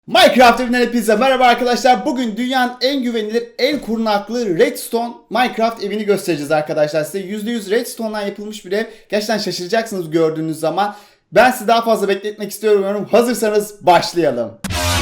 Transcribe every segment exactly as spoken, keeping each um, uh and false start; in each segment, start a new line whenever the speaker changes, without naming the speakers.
Minecraft evinden hepinize merhaba arkadaşlar. Bugün dünyanın en güvenilir, en korunaklı Redstone Minecraft evini göstereceğiz arkadaşlar. Size yüzde yüz Redstone'dan yapılmış bir ev. Gerçekten şaşıracaksınız gördüğünüz zaman. Ben sizi daha fazla bekletmek istiyorum. Hazırsanız başlayalım.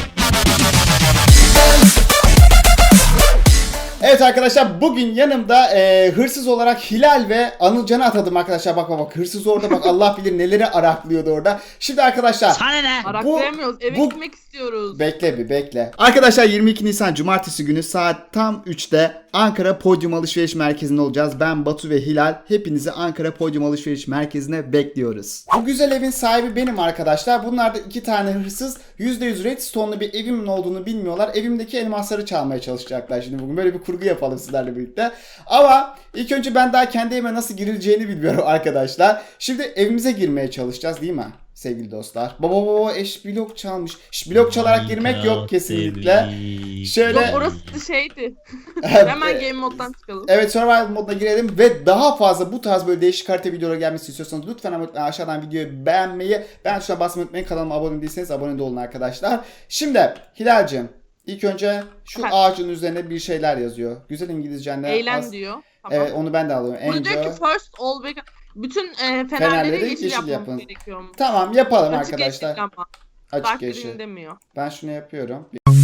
Evet arkadaşlar, bugün yanımda e, hırsız olarak Hilal ve Anılcan'ı atadım arkadaşlar. Bak bak bak, hırsız orada, bak Allah bilir neleri araklıyordu orada. Şimdi arkadaşlar
Sana ne?
Araklayamıyoruz. Eve
bu-
gitmek istiyoruz.
bekle bir bekle. Arkadaşlar yirmi iki Nisan Cumartesi günü saat tam üçte Ankara Podyum Alışveriş Merkezi'nde olacağız. Ben Batu ve Hilal hepinizi Ankara Podyum Alışveriş Merkezi'ne bekliyoruz. Bu güzel evin sahibi benim arkadaşlar. Bunlar da iki tane hırsız. yüzde yüz Redstone'lu bir evimin olduğunu bilmiyorlar. Evimdeki elmasları çalmaya çalışacaklar şimdi bugün. Böyle bir kurgu yapalım sizlerle birlikte. Ama ilk önce ben daha kendi evime nasıl girileceğini bilmiyorum arkadaşlar. Şimdi evimize girmeye çalışacağız değil mi? Sevgili dostlar. Baba baba eş blok çalmış. Şş, blok çalarak girmek yok kesinlikle. Şöyle.
Yok, orası şeydi. Hemen game moddan çıkalım.
Evet, survival moduna girelim ve daha fazla bu tarz böyle değişik harita videoları gelmesi istiyorsanız lütfen ama aşağıdan videoyu beğenmeyi, ben tuşuna basmayı unutmayın. Kanalıma abone değilseniz abone de olun arkadaşlar. Şimdi Hilal'cim, ilk önce şu
Evet.
ağacın üzerine bir şeyler yazıyor. Güzel İngilizcenle.
Eğlen
az-
diyor. Tamam.
Evet, onu ben de alıyorum.
Burada diyor ki
Enjoy.
first all back. Bütün e, fenerleri,
Fenerleri
yeşil,
yeşil
yapmamız
yapın.
gerekiyor.
Tamam, yapalım
Açık
arkadaşlar.
yeşil ama.
Açık
Dark
yeşil.
green demiyor.
Ben şunu yapıyorum.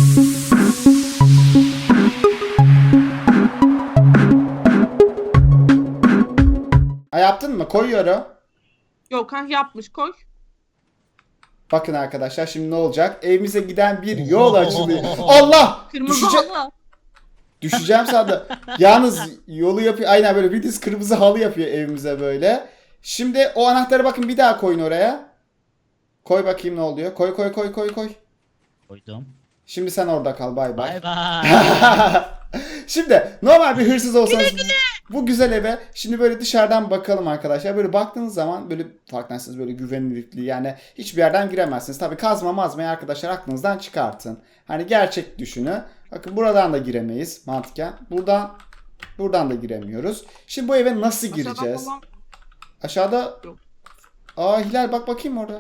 Ha, yaptın mı? Koyuyorum.
Yok ha, yapmış, koy.
Bakın arkadaşlar, şimdi ne olacak? Evimize giden bir yol açılıyor. Allah!
Kırmızı
Düşece-
halı.
Düşeceğim sandım. Yalnız yolu yapıyor. Aynen böyle bir diz kırmızı halı yapıyor evimize böyle. Şimdi o anahtarı bakın bir daha koyun oraya. Koy bakayım ne oluyor. Koy koy koy koy koy.
Koydum.
Şimdi sen orada kal, bay bay.
Bay bay.
Şimdi normal bir hırsız olsanız bu güzel eve şimdi böyle dışarıdan bakalım arkadaşlar. Böyle baktığınız zaman böyle farkındasınız, böyle güvenilirliği, yani hiçbir yerden giremezsiniz. Tabii kazma mazmayı arkadaşlar aklınızdan çıkartın. Hani gerçek düşünün. Bakın buradan da giremeyiz mantıken. Buradan buradan da giremiyoruz. Şimdi bu eve nasıl
Aşağıdan
gireceğiz?
falan-
Aşağıda.
Yok.
Aa, Hilal bak bakayım orada.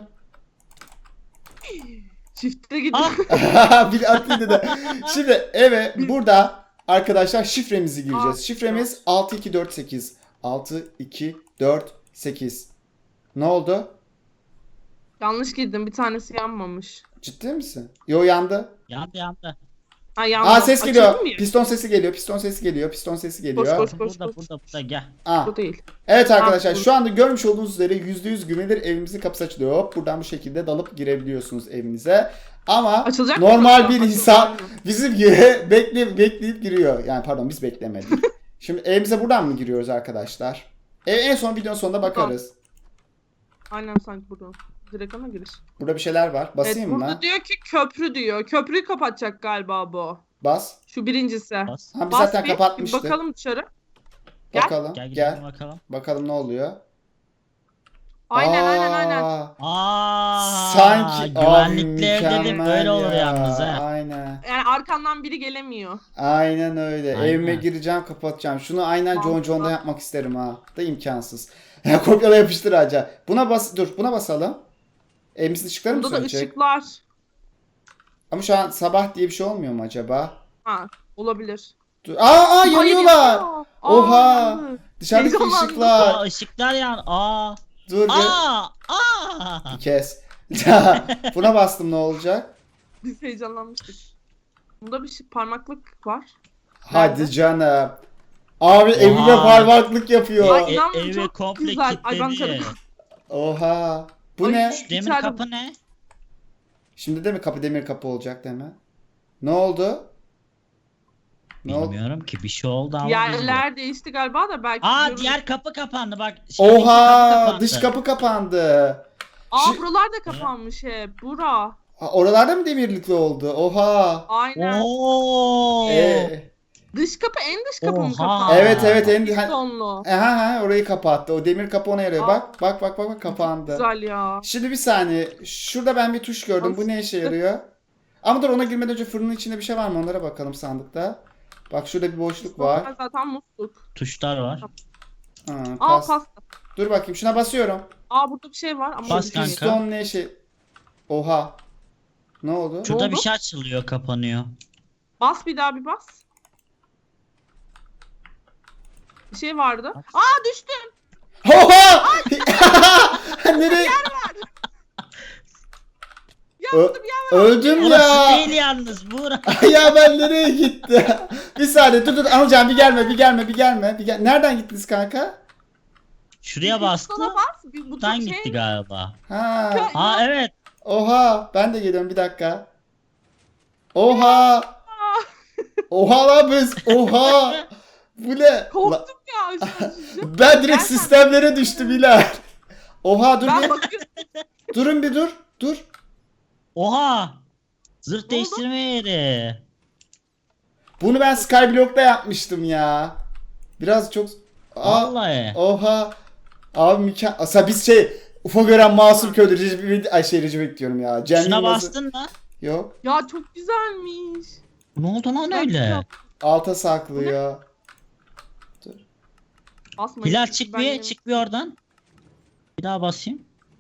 Çifte gidiyor.
Ah,
bir atıydı da. Şimdi eve burada arkadaşlar şifremizi gireceğiz.
Aa,
Şifremiz altı iki dört sekiz. altı iki dört sekiz. Ne oldu?
Yanlış girdim. Bir tanesi yanmamış.
Ciddi misin? Yo, yandı.
yandı yandı.
Ha, yandı.
Aa, ses
Açıldı
geliyor.
mı ya?
Piston sesi geliyor. Piston sesi geliyor. Piston sesi geliyor.
Koş, koş.
Burada burada burada gel.
Aa.
Bu değil.
Evet arkadaşlar,
bu-
şu anda görmüş olduğunuz üzere yüzde yüz güvenilir evimizin kapısı açılıyor. Hop, buradan bu şekilde dalıp girebiliyorsunuz evinize. Ama
Açılacak mı?
normal bir
Açılacak
insan
mı?
bizim gibi bekleyip bekleyip giriyor. Yani pardon, biz beklemedik. Şimdi evimize buradan mı giriyoruz arkadaşlar? Ev en son videonun sonunda bakarız.
Aynen, sanki buradan. Direkt ona giriş.
Burada bir şeyler var. Basayım
Evet,
mı?
burada diyor ki köprü diyor. Köprüyü kapatacak galiba bu.
Bas.
Şu birincisi.
Bas.
Ha, biz
Bas
zaten
bir,
kapatmıştık.
bir bakalım dışarı. Gel.
Bakalım.
Gel
Gel.
gidelim bakalım.
Bakalım ne oluyor.
Aynen
Aa,
aynen aynen.
Aa,
Sanki
güvenlikli ev
mükemmel
dedim böyle olur
ya.
yalnız ha.
Aynen.
Yani arkandan biri gelemiyor.
Aynen öyle.
Aynen.
Evime gireceğim, kapatacağım. Şunu aynen John
Mantıklı.
John'da yapmak isterim ha. Da imkansız. Kopyala yapıştır ağaca. Buna bas, dur buna basalım. Evimizin ışıkları mı
Burada da
sönecek?
ışıklar.
Ama şu an sabah diye bir şey olmuyor mu acaba?
Ha, olabilir.
Dur. Aa, aa
Hayır,
yanıyorlar.
yanıyor. Aa,
Oha.
yandı.
Dışarıdaki
Heyecanlandım.
ışıklar.
Aa, ışıklar yan. Aa.
Dur bir.
Aa. Aa.
Kes. Buna bastım, ne olacak?
Biz heyecanlanmıştık. Bunda bir şey, parmaklık var.
Hadi
Nerede?
canım. Abi evime parmaklık yapıyor.
Ay,
E,
inanmıyorum,
evi
çok
komple
güzel. Ay, ben
kilitledi.
Oha. Bu
Ay,
ne?
şu-
Demir
İçeride-
kapı ne?
Şimdi de mi kapı demir kapı olacak değil mi? Ne oldu? Ne oldu?
Bilmiyorum ki bir şey oldu ama
Yerler değişti galiba da belki.
Aa,
görürüz.
diğer kapı kapandı bak. şeydeki kapı
Oha,
kapandı.
dış kapı kapandı.
Aa,
Şi-
buralar da kapanmış hep. Bura.
Aa, oralarda mı demirlikli oldu? Oha.
Aynen.
Oo.
Ee,
Dış kapı, en dış kapı mı
Oha.
kapandı?
evet evet en hani,
Sonlu.
aha, aha, orayı kapattı. O demir kapı ona yarıyor.
Aa.
Bak bak bak bak bak, kapandı.
Güzel ya.
Şimdi bir saniye. Şurada ben bir tuş gördüm. Bu ne işe yarıyor? Ama dur, ona girmeden önce fırının içinde bir şey var mı? Onlara bakalım sandıkta. Bak şurada bir boşluk var.
Zaten musluk.
Tuşlar var.
Ha,
Aa,
pas.
pasta.
Dur bakayım, şuna basıyorum.
Aa, burada bir şey var ama
Bas
bir şey
kanka.
değil.
Piston ne şey? Oha. Ne oldu?
Şurada
oldu?
bir şey açılıyor, kapanıyor.
Bas bir daha bir bas. Bir şey vardı. Aa düştüm.
Oha! Nereye?
Yandım ya.
Öldüm
Burası
ya.
değil yalnız, bura.
Ya ben nereye gitti? Bir saniye dur dur Anılcan bir gelme bir gelme bir gelme. Bir gel. Nereden gittiniz kanka?
Şuraya bastı.
Sana bas. Bir, bu
Buradan
şey...
gitti galiba.
Ha.
Aa evet.
Oha ben de geliyorum bir dakika. Oha. Oha lan biz. Oha. Bu ne? La-
Korktum ya. Şu- şu-
Ben direkt
Gerçekten.
sistemlere düştüm Hilal. Oha dur
Ben
bir.
bakıyorum.
Durun bir dur. Dur.
Oha. Zırh
oldu?
değiştirme yeri.
Bunu ben Skyblock'ta yapmıştım ya. Biraz çok... Aa,
Vallahi.
oha. Abi mükemmel. Aslında biz şey... Ufa gören masum köylü Recep... Ay şey Recep bekliyorum ya. Cem
Şuna
Yılmaz'ı-
bastın mı?
Yok.
Ya çok güzelmiş.
Ne oldu lan
Ben
öyle?
yap-
Alta saklıyor.
Basmayın.
Hilal çık
Ben
bir,
yemin-
çık bir oradan. Bir daha basayım.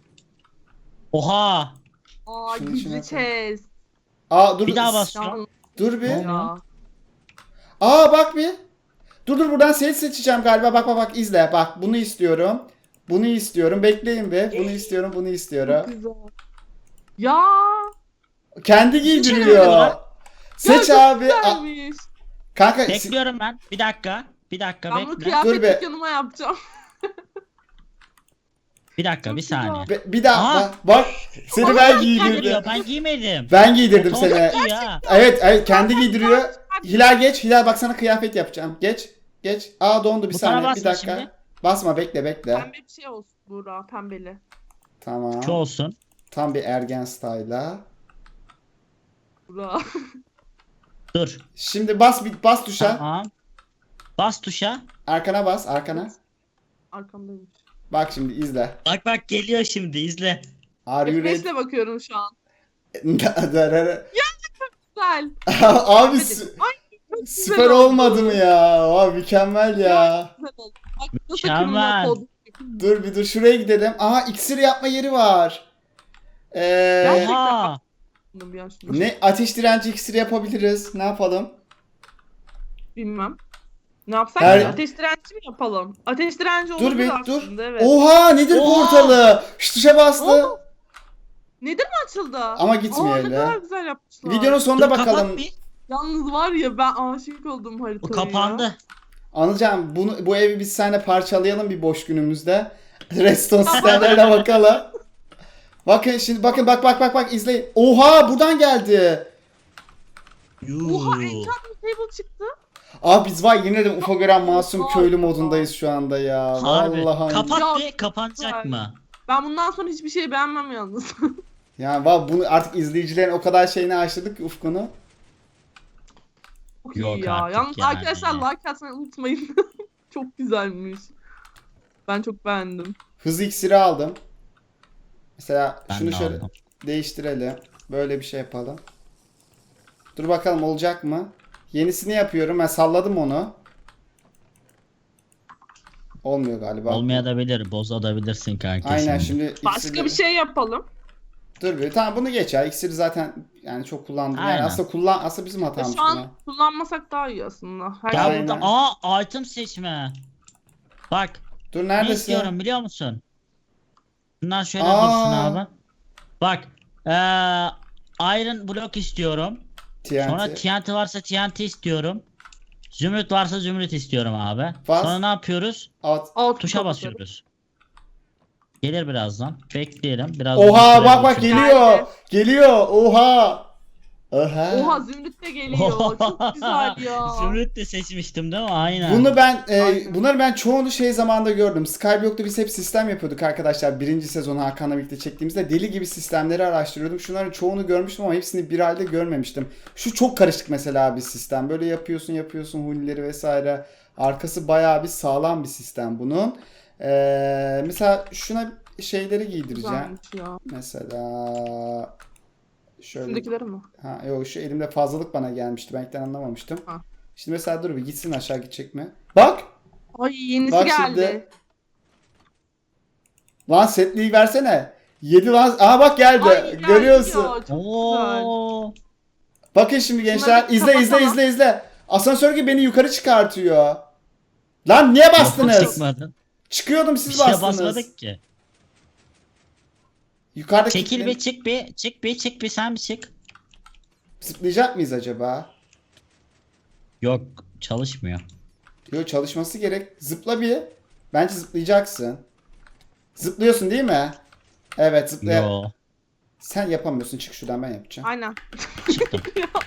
Oha.
Aa
Şunu
gizli
şuna
chest.
Aa dur.
Bir daha
s-
bas.
Ya,
Dur bir.
ya.
Aa bak bir. Dur dur buradan seni seçeceğim galiba. Bak bak bak izle. Bak bunu istiyorum. Bunu istiyorum. Bekleyin bir. Bunu istiyorum. Bunu
Çok
istiyorum.
güzel. Ya.
Kendi giydiriyor.
Ya,
Seç
çok
abi. A-
Güzelmiş.
kanka si-
Bekliyorum ben. Bir dakika. Bir dakika
Ben bunu
bekle.
Dur be.
kıyafet dükkanıma yapacağım.
Bir dakika
Çok
bir
güzel.
saniye.
be- bir daha
Aa.
bak, bak. Seni ben giydirdim.
Geliyor, ben giymedim.
Ben giydirdim seni.
Otomatik ya.
Evet, evet kendi giydiriyor. Hilal geç. Hilal bak sana kıyafet yapacağım. Geç. Geç. Aa dondu bir
Butona
saniye. Bir
basma
dakika.
şimdi.
Basma bekle bekle.
Pembe bir şey olsun Buğra. Pembeli.
Tamam.
Şu olsun.
Tam bir ergen style'a.
Buğra.
Dur.
Şimdi bas bir bas tuşa.
Tamam. Bas tuşa.
Arkana bas, arkana.
Arkamdaymış.
Bak şimdi izle.
Bak bak geliyor şimdi, izle.
Are you
F beş
ready?
ile bakıyorum şu an.
Darara.
Güzel.
Abi
Hadi.
sü-
Ay çok güzel
süper
oldu.
olmadı mı ya? Abi mükemmel ya.
Güzel oldu. Bak nasıl
Mükemmel.
kırmızı kod.
Dur bir dur şuraya gidelim. Aha iksir yapma yeri var. Ee,
Gerçekten.
Oha.
Bir an şunu.
ne ateş direnci iksiri yapabiliriz. Ne yapalım?
Bilmem. Ne yapsak
Her-
ki? Ateş direnci mi yapalım? Ateş direnci
Dur
olabilir
bir dur.
aslında, evet.
Oha nedir
Oha.
portalı? Şu tuşa bastı.
Oldu. Nedir mi açıldı?
Ama gitmiyor
Aa,
öyle.
ne kadar güzel yapmışlar.
Videonun sonunda
Dur,
bakalım.
kapat bir.
Yalnız var ya ben aşık oldum haritaya.
Bu kapandı.
Anılcan bunu bu evi biz seninle parçalayalım bir boş günümüzde. Redstone sistemlerine bakalım. Bakın şimdi bakın bak bak bak bak izleyin. Oha buradan geldi.
Yuh.
Oha enchantment table çıktı.
Abi biz var yine de ufa gören masum
Oha.
köylü modundayız şu anda ya.
Harbi.
Vallahi.
Kapat
Ya,
bir, kapanacak
güzel.
mı?
Ben bundan sonra hiçbir şey beğenmem yalnız.
Yani var bunu artık izleyicilerin o kadar şeyini aşırdık ki ufkunu.
Çok
Yok
iyi ya.
artık
Yalnız
yani.
arkadaşlar like atmayı unutmayın. Çok güzelmiş. Ben çok beğendim.
Hız iksiri aldım. Mesela
Ben
şunu
de
şöyle
aldım.
değiştirelim. Böyle bir şey yapalım. Dur bakalım olacak mı? Yenisini yapıyorum. Ben salladım onu. Olmuyor galiba.
Olmayabilir, bozabilirsin kanka.
Aynen
şimdi.
şimdi
Başka
iksirleri-
bir şey yapalım.
Dur bir tamam bunu geç ya. İksiri zaten yani çok kullandım. Yani
Aynen.
aslında kullan aslında bizim
Ve
hatamız
şu an
buna.
kullanmasak daha iyi aslında. Her
Gel
şey-
Aynen.
burada. Aa, item seçme. Bak,
Dur
ne
neredesin?
istiyorum biliyor musun? Bunlar şöyle
Aa.
dursun abi. Bak, eee Iron block istiyorum.
T N T.
Sonra T N T varsa T N T istiyorum. Zümrüt varsa zümrüt istiyorum abi.
Bas.
Sonra ne yapıyoruz?
At.
Alt
Tuşa
kapatalım.
basıyoruz. Gelir birazdan. Bekleyelim. Biraz
Oha
süre
bak bak
geçiyor.
geliyor.
Geldi.
Geliyor. Oha. Oha.
Oha zümrüt de geliyor. Çok güzel ya.
Zümrüt de seçmiştim değil mi? Aynen.
Bunu ben e,
Aynen.
bunları ben çoğunu şey zamanda gördüm. Skyblock'ta biz hep sistem yapıyorduk arkadaşlar. Birinci sezonu Hakan'la birlikte çektiğimizde deli gibi sistemleri araştırıyordum. Şunların çoğunu görmüştüm ama hepsini bir halde görmemiştim. Şu çok karışık mesela bir sistem. Böyle yapıyorsun yapıyorsun hunileri vesaire. Arkası bayağı bir sağlam bir sistem bunun. E, mesela şuna şeyleri giydireceğim.
Güzelmiş ya.
Mesela şöyle.
Şundakileri mi?
Ha yok şu elimde fazlalık bana gelmişti. Ben ilkten anlamamıştım.
Ha.
Şimdi mesela dur bir gitsin aşağı gidecek mi? Bak!
Ay yenisi
Bak
geldi.
şimdi. Lan setliği versene. Yedi lan. Aa bak geldi.
Ay,
Görüyorsun.
ya, çok güzel.
Oo.
Bakın şimdi gençler.
Şunları bir
İzle izle
kapatalım.
izle izle. Asansör gibi beni yukarı çıkartıyor. Lan niye bastınız?
Çıkmadın.
Çıkıyordum
Bir
siz
şeye
bastınız.
basmadık ki.
Yukarıda
Çekil
kilitlen-
bir çık bir çık bir çık bir sen bir çık.
Zıplayacak mıyız acaba?
Yok çalışmıyor.
Yok çalışması gerek. Zıpla bir. Bence zıplayacaksın. Zıplıyorsun değil mi? Evet zıplaya.
Yo.
Sen yapamıyorsun. Çık şuradan ben yapacağım.
Aynen.
Çıktım.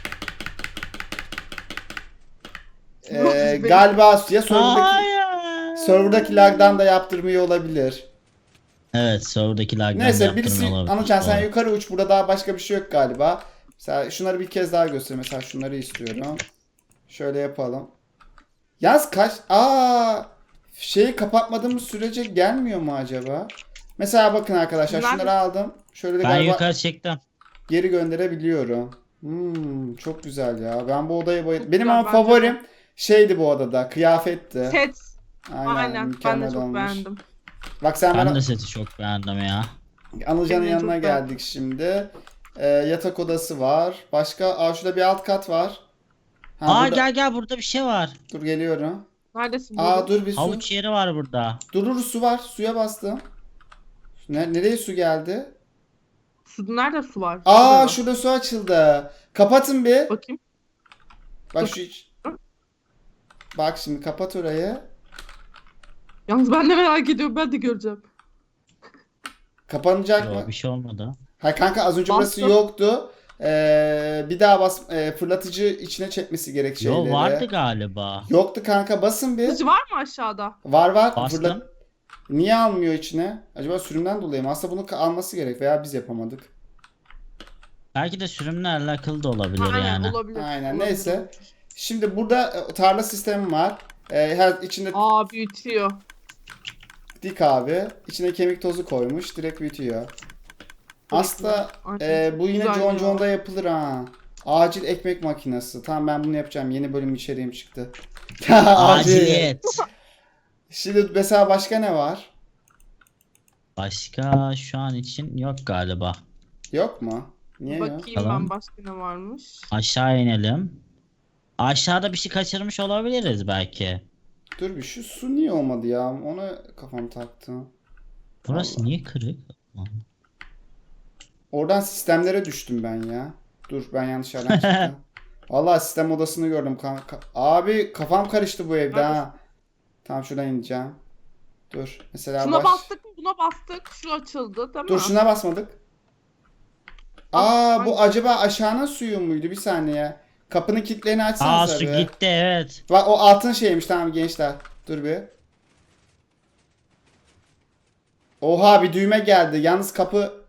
Ee, galiba ya serverdaki,
Hayır.
serverdaki lag'dan da yaptırmıyor olabilir.
Evet serverdaki lag'dan
Neyse birisi
yaptırmıyor olabilir.
Anılcan sen
Doğru.
yukarı uç. Burada daha başka bir şey yok galiba. Mesela şunları bir kez daha göster. Mesela şunları istiyorum. Şöyle yapalım. Yaz kaç? Aa, şeyi kapatmadığımız sürece gelmiyor mu acaba? Mesela bakın arkadaşlar
Bunlar-
şunları aldım. Şöyle de
Ben
galiba
yukarı çıktım.
geri gönderebiliyorum. Hmm, çok güzel ya. Ben bu odayı bayıldım.
Çok
Benim
güzel,
ama
bence
favorim şeydi bu odada. Kıyafetti.
Set.
Aynen,
Aynen. Ben
mükemmel
de çok
olmuş.
beğendim.
Bak sen
Ben
bana
de seti çok beğendim ya.
Anılcan'ın
Benim de
yanına
çok
geldik şimdi. Ee, yatak odası var. Başka, aa şurada bir alt kat var. Ha,
Aa
burada-
gel gel burada bir şey var.
Dur geliyorum.
Neredesin?
Aa
Aa,
dur bir su.
Havuç yeri var burada.
Dur dur su var. Suya bastım. Ne, nereye su geldi?
Su, nerede su var?
Aa
Şurada.
şurada su açıldı. Kapatın bir.
Bakayım.
Bak şu iç- Bak şimdi kapat orayı.
Yalnız ben de merak ediyorum. Ben de göreceğim.
Kapanacak mı?
Yo bir şey olmadı.
Hayır kanka az önce burası
Bastım.
yoktu. Ee, bir daha bas e, fırlatıcı içine çekmesi gerek şeyleri.
Yo vardı galiba.
Yoktu kanka basın bir.
Kılıcı var mı aşağıda?
Var var.
Bastım.
Fırlat- Niye almıyor içine? Acaba sürümden dolayı mı? Aslında bunu ka- alması gerek veya biz yapamadık.
Belki de sürümle alakalı da olabilir
Aynen
yani.
olabilir.
Aynen,
olabilir.
neyse. Şimdi burada e, tarla sistemi var. E, her içinde
Aa büyütüyor.
dik abi. İçine kemik tozu koymuş. Direkt büyütüyor. Aslında
Aynen.
e, bu yine
Güzel
John
ya.
John'da yapılır ha. Acil ekmek makinesi. Tamam ben bunu yapacağım. Yeni bölüm içeriğim çıktı. Acil.
Aciliyet.
Şimdi mesela başka ne var?
Başka şu an için yok galiba.
Yok mu? Niye yok?
Bakayım
Tamam.
ben başka ne varmış.
Aşağı inelim. Aşağıda bir şey kaçırmış olabiliriz belki.
Dur bir şu su niye olmadı ya? Ona kafam taktı.
Burası
Allah.
niye kırık?
Oradan sistemlere düştüm ben ya. Dur ben yanlış yerden çıktım. Vallahi sistem odasını gördüm kanka. Abi kafam karıştı bu evde ha. Tamam şuradan ineceğim. Dur mesela
Şuna
baş...
bastık mı? Buna bastık. Şu açıldı değil mi?
Dur şuna basmadık. Aa bu acaba aşağının suyu muydu? Bir saniye. Kapının kilitlerini
Aa
açsanıza
su
bir.
gitti evet.
Bak o altın şeymiş tamam gençler. Dur bir. Oha bir düğme geldi. Yalnız kapı...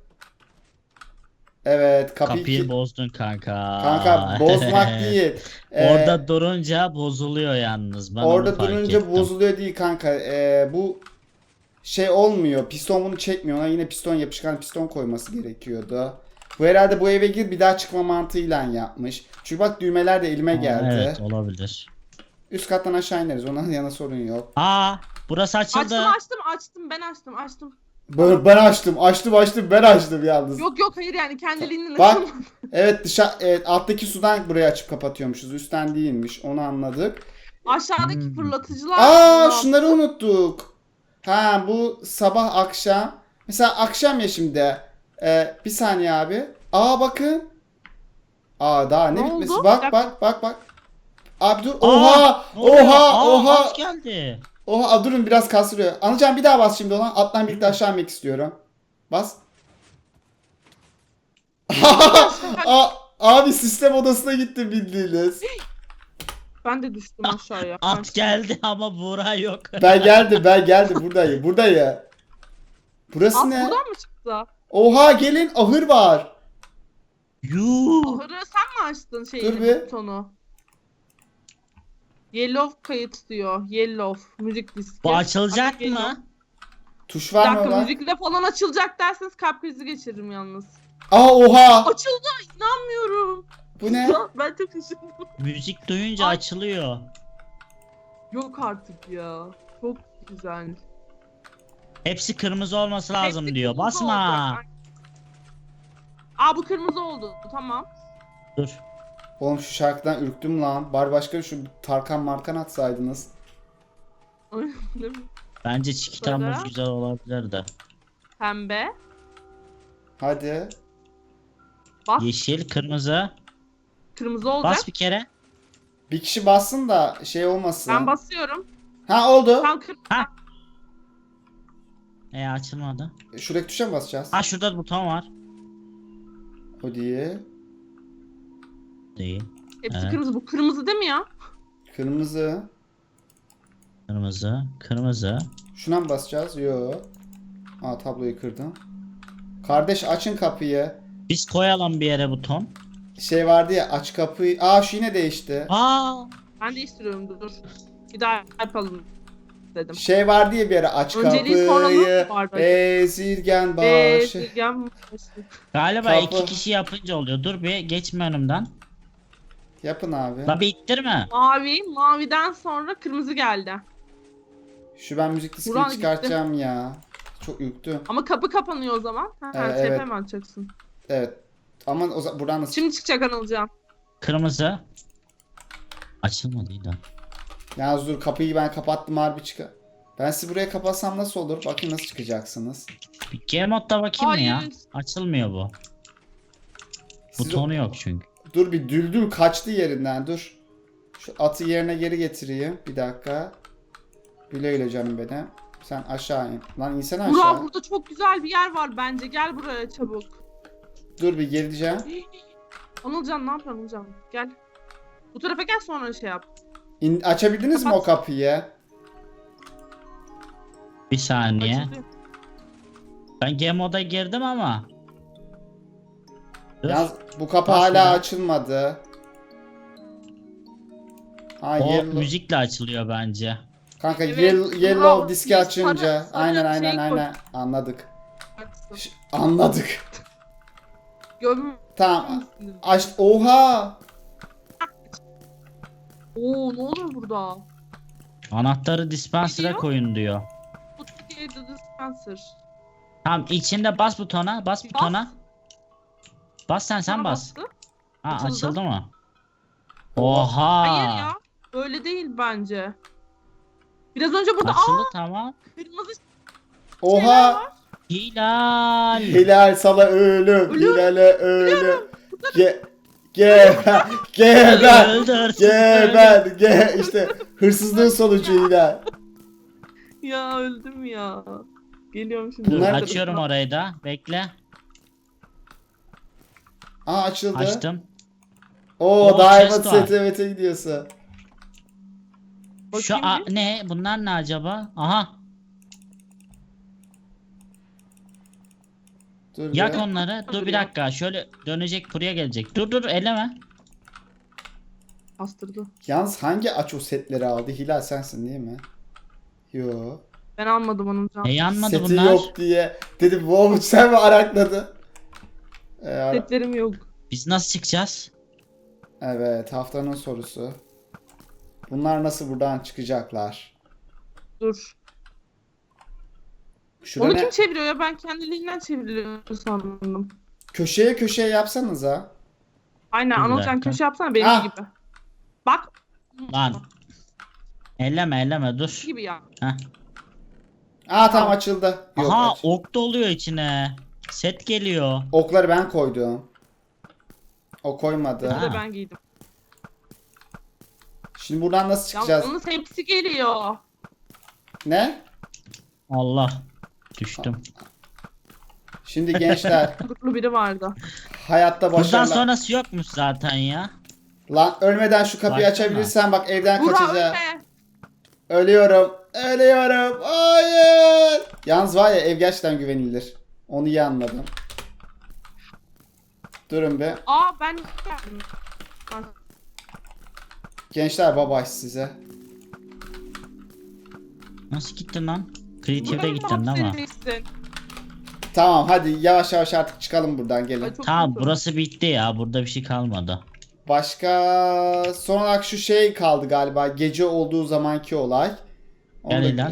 Evet kapıyı...
Kapıyı
ki-
bozdun kanka.
Kanka bozmak değil. Ee,
Orada durunca bozuluyor yalnız. Ben
orada
onu fark
durunca
ettim.
bozuluyor değil kanka. Ee, bu şey olmuyor. Piston bunu çekmiyor. Ona yine piston yapışkan piston koyması gerekiyordu. Bu herhalde bu eve gir bir daha çıkma mantığıyla yapmış. Çünkü bak düğmeler de elime
Aa,
geldi.
Evet olabilir.
Üst kattan aşağı ineriz. Ondan yana sorun yok.
Aa burası açıldı.
Açtım açtım açtım. Ben açtım açtım.
Ben, ben açtım. Açtım açtım. Ben açtım yalnız.
Yok yok hayır yani kendiliğinden
Bak.
açılmadı.
Evet dışarı evet, alttaki sudan buraya açıp kapatıyormuşuz. Üstten değilmiş. Onu anladık.
Aşağıdaki
Hmm.
fırlatıcılar.
Aa
ne
şunları unuttuk. Ha bu sabah akşam. Mesela akşam ya şimdi. Ee, bir saniye abi. Aa bakın. Aa daha ne,
Ne
bitmesi.
oldu?
Bak
Bir
bak bak bak. Abi dur.
Aa,
Oha.
ne oluyor?
Oha.
Aa,
Oha.
at geldi.
Oha. Aa, durun biraz kasılıyor. Anılcan bir daha bas şimdi ona. Atlan birlikte aşağı inmek istiyorum. Bas. Aa, abi sistem odasına gittim bildiğiniz.
Ben de düştüm aşağıya. Ben
At geldi ama Buğra yok.
Ben geldim ben geldim buradayım buradayım. Burası
At
ne?
buradan mı çıktı?
Oha gelin ahır var.
Yuh.
Ahırı sen mi açtın
Dur
şeyini
bir.
butonu? Yellow kayıt diyor. Yellow. Müzik diski.
Bu açılacak
Hadi yellow.
mı?
Tuş
Bir
var mı
dakika
orada?
müzikle falan açılacak derseniz kalp krizi geçiririm yalnız.
Aa oha.
Açıldı inanmıyorum.
Bu ne?
Ben çok şaşırdım.
Müzik duyunca
Ay.
açılıyor.
Yok artık ya. Çok güzel.
Hepsi kırmızı olması lazım
Hepsi
diyor.
kırmızı
Basma.
olacak. Aa bu kırmızı oldu. Tamam.
Dur.
Oğlum şu şarkıdan ürktüm lan. Bari başka şu Tarkan Markan atsaydınız.
Değil mi?
Bence çikitan
Sonra?
muz güzel olabilir de.
Pembe.
Hadi.
Bas.
Yeşil, kırmızı.
Kırmızı olacak.
Bas bir kere.
Bir kişi bassın da şey olmasın.
Ben basıyorum.
Ha oldu.
Tam kırmızı.
Ha. E açılmadı.
Şuradaki tuşa mı basacağız?
Ha şurada buton var.
O değil.
Değil.
Hepsi
Evet.
kırmızı. Bu kırmızı değil mi ya?
Kırmızı.
Kırmızı, kırmızı.
Şuna mı basacağız? Yo. Aa tabloyu kırdım. Kardeş açın kapıyı.
Biz koyalım bir yere buton.
Şey vardı ya aç kapıyı. Aa şu yine değişti.
Aa!
Ben değiştiriyorum dur. Bir daha yapalım dedim.
Şey vardı ya bir ara aç
Önceliği sonra
kapıyı.
nasıl vardı?
Bezirgen
Ve
başı.
Silgen
Galiba
Kapı.
iki kişi yapınca oluyor. Dur bir geçme önümden.
Yapın abi.
La bir ittirme.
mavi. Maviden sonra kırmızı geldi.
Şu ben müzik diskini
Buran
çıkartacağım ya. Çok yüktü.
Ama kapı kapanıyor o zaman. Ha,
Evet,
T P
evet.
mi atacaksın?
Evet. Ama o zaman buradan nasıl?
Şimdi çıkacak Anılcan.
Kırmızı. Açılmadı yine.
Yalnız dur kapıyı ben kapattım harbi çıkar. Ben sizi buraya kapatsam nasıl olur? Bakın nasıl çıkacaksınız.
Bir G modda bakayım mı ya?
Hayır.
Açılmıyor bu.
Siz
Butonu yok çünkü.
Dur bir düldül kaçtı yerinden dur. Şu atı yerine geri getireyim. Bir dakika. Güle güle canım benim. Sen aşağı in. Lan insene aşağı.
Burak burada çok güzel bir yer var bence. Gel buraya çabuk.
Dur bir geleceğim.
Anılcan ne yapıyorsun Anılcan? Gel. Bu tarafa gel sonra şey yap.
İn- açabildiniz mi o
Kapat.
kapıyı?
Bir saniye.
Açılıyor.
Ben G moda girdim ama. Dur.
Yalnız bu kapı
Bas
hala
bir daha.
açılmadı. Ha
O
yellow.
müzikle açılıyor bence.
Kanka
Evet,
yellow,
bravo.
yellow diski
Bir sarı-
açınca.
sarı
aynen
şey
aynen
koy.
aynen. Anladık.
Açsın.
Ş- Anladık.
Göm.
Tamam. Aç. Oha.
Oo ne oluyor burada?
Anahtarı dispenser'a
Gidiyor.
koyun diyor.
Bu Türkiye The Dispenser.
Tamam içinde bas butona. Bas butona. Bas sen sen
Sana
bas.
bastı.
Ha
Açıldı.
açıldı mı? Oha.
Hayır ya. Öyle değil bence. Biraz önce burada
Açıldı
aa
tamam.
kırmızı
Oha.
Hilal.
Hilal sana ölüm.
Ölüyorum.
Hilal'e ölüm. Ge geber. Geber.
Öldür.
Geber. Ge işte hırsızlığın sonucu Hilal.
ya öldüm ya. Geliyorum şimdi.
Dur
Bunlar-
açıyorum orayı da. Bekle.
Aa açıldı.
Açtım.
Oo
Oo,
Diamond
chest var.
S T V T'ye gidiyorsun.
Şu
Bakayım
a-
bir.
ne? Bunlar ne acaba? Aha.
Dur
Yak
bir.
onları. Dur bir
Duruyor.
dakika. Şöyle dönecek buraya gelecek. Dur dur eleme.
Bastırdı.
Yalnız hangi aç o setleri aldı? Hilal sensin değil mi? Yo.
Ben almadım onun canı.
E yanmadı
Seti
bunlar.
yok diye. Dedim wow sen mi arakladın? Ee, ara-
Setlerim yok.
Biz nasıl çıkacağız?
evet haftanın sorusu. Bunlar nasıl buradan çıkacaklar?
Dur.
Şura
Onu
ne?
kim çeviriyor ya? Ben kendiliğinden çevriliyor sandım.
Köşeye köşeye yapsanıza.
Aynen
Bir
Anılcan
dakika.
köşe yapsana benim
Ah.
gibi. Bak.
Lan. Elleme elleme dur.
Gibi ya.
Heh.
Aa tamam açıldı. Yok,
Aha
aç.
ok doluyor içine. Set geliyor.
Okları ben koydum. O koymadı.
Bir
Ha.
de ben giydim.
Şimdi buradan nasıl
Ya
çıkacağız?
onun hepsi geliyor.
Ne?
Allah. Düştüm.
Şimdi gençler
Kuduklu biri vardı.
hayatta
Buradan
başarılar.
sonrası yokmuş zaten ya.
Lan ölmeden şu kapıyı
Baksana.
açabilirsen bak evden
Burak
kaçacağım.
ölme.
Ölüyorum. Ölüyorum. Hayır. Yalnız var ya ev gerçekten güvenilir. Onu iyi anladım. Durun be.
Aa ben geldim. Ha,
Gençler babay size.
Nasıl gittin lan? Creative'de
Buranın
gittin değil mi?
hapsedilsin.
Tamam hadi yavaş yavaş artık çıkalım buradan
Ay,
gelin.
çok
Tamam
kötü.
burası bitti ya. Burada bir şey kalmadı.
Başka son olarak şu şey kaldı galiba. Gece olduğu zamanki olay. Onu
Gel
da-
Hilal.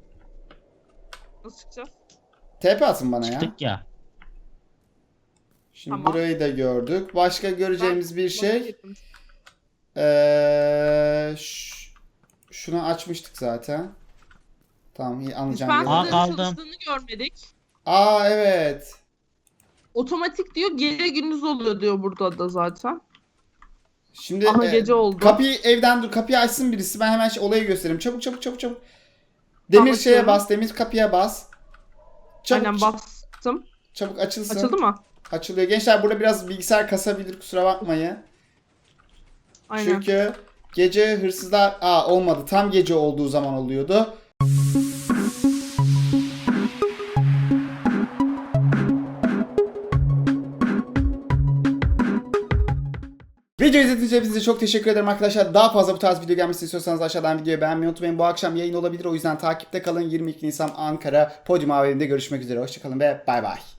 Nasıl çıkacağız?
T P atın bana ya.
Çıktık ya.
Şimdi
Tamam.
burayı da gördük. Başka göreceğimiz bir şey.
Bakayım.
Ee, ş- şunu açmıştık zaten. Tamam, iyi anlayacağım.
Aa,
Dispenser'ın
kaldım.
çalıştığını görmedik.
Aa evet.
Otomatik diyor, gece gündüz oluyor diyor burada da zaten.
Şimdi
Aha,
e,
gece oldu.
kapıyı evden dur, kapıyı açsın birisi. Ben hemen şey- olayı göstereyim. Çabuk çabuk çabuk çabuk. Demir
Tamam,
şeye
açıyorum.
bas, demir kapıya bas. Çabuk
Aynen bastım.
çabuk açılsın.
Açıldı mı?
Açılıyor. Gençler burada biraz bilgisayar kasabilir, kusura bakmayın.
Aynen.
Çünkü gece hırsızlar... Aa olmadı. Tam gece olduğu zaman oluyordu. Video izlediğiniz için size çok teşekkür ederim arkadaşlar. Daha fazla bu tarz video gelmesini istiyorsanız aşağıdan videoyu beğenmeyi unutmayın. Bu akşam yayın olabilir, o yüzden takipte kalın. yirmi iki Nisan Ankara Podyum A V M'de görüşmek üzere. Hoşçakalın ve bay bay.